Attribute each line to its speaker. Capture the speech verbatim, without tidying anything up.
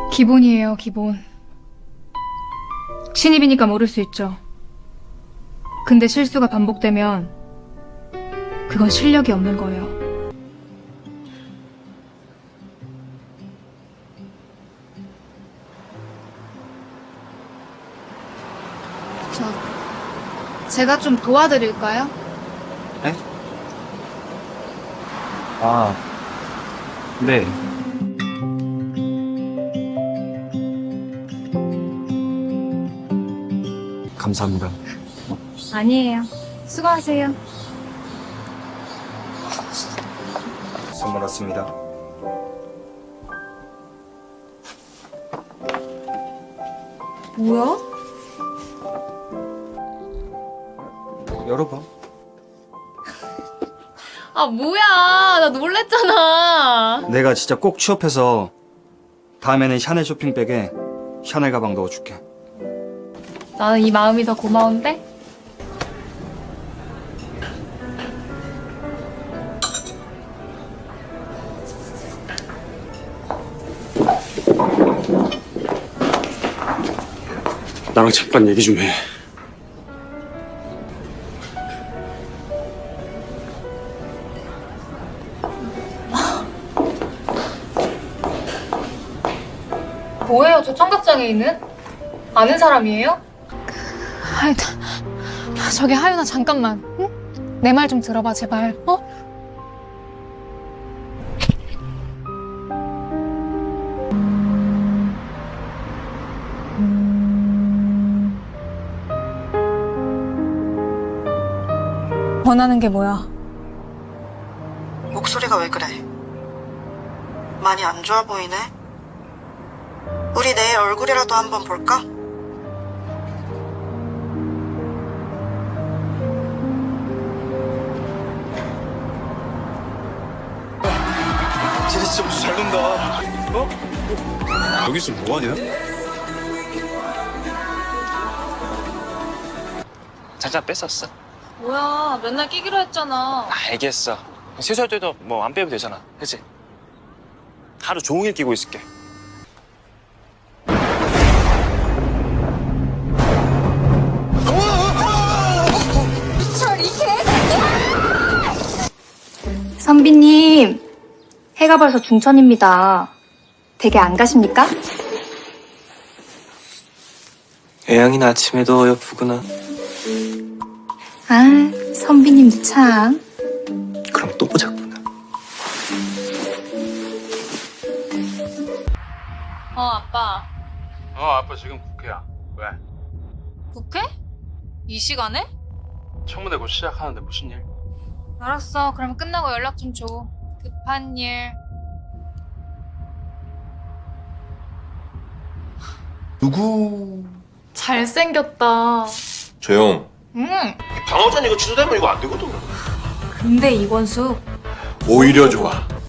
Speaker 1: 기본이에요, 기본. 신입이니까 모를 수 있죠. 근데 실수가 반복되면 그건 실력이 없는 거예요. 저, 제가 좀 도와드릴까요?
Speaker 2: 네? 아, 네. 감사합니다.
Speaker 1: 아니에요. 수고하세요.
Speaker 2: 선물 왔습니다.
Speaker 1: 뭐야?
Speaker 2: 열어봐.
Speaker 3: 아 뭐야, 나 놀랬잖아.
Speaker 2: 내가 진짜 꼭 취업해서 다음에는 샤넬 쇼핑백에 샤넬 가방 넣어줄게.
Speaker 3: 나는 이 마음이 더 고마운데?
Speaker 4: 나랑 잠깐 얘기 좀 해.
Speaker 3: 뭐예요, 저 청각장애인은? 아는 사람이에요?
Speaker 5: 하윤아, 저기 하윤아 잠깐만, 응? 내 말 좀 들어봐 제발, 어? 원하는 게 뭐야?
Speaker 6: 목소리가 왜 그래? 많이 안 좋아 보이네? 우리 내일 얼굴이라도 한번 볼까?
Speaker 7: 쟤네 진짜 무슨 잘 논다. 어? 여기서 뭐하냐?
Speaker 8: 잠깐 뺐었어.
Speaker 3: 뭐야, 맨날 끼기로 했잖아.
Speaker 8: 알겠어. 세수할 때도 뭐 안 빼도 되잖아. 그치? 하루 종일 끼고 있을게.
Speaker 9: 선비님, 해가 벌써 중천입니다. 댁에 안 가십니까?
Speaker 10: 애양이는 아침에도 예쁘구나.
Speaker 9: 아, 선비님도 참.
Speaker 10: 그럼 또 보자꾸나.
Speaker 3: 어, 아빠.
Speaker 7: 어, 아빠 지금 국회야. 왜?
Speaker 3: 국회? 이 시간에?
Speaker 7: 청문회 곧 시작하는데 무슨 일?
Speaker 3: 알았어, 그럼 끝나고 연락 좀 줘. 급한 일.
Speaker 7: 누구?
Speaker 3: 잘생겼다.
Speaker 7: 조용.
Speaker 3: 응.
Speaker 7: 방어전 이거 취소되면 이거 안 되거든.
Speaker 3: 근데 이권수
Speaker 7: 오히려 좋아.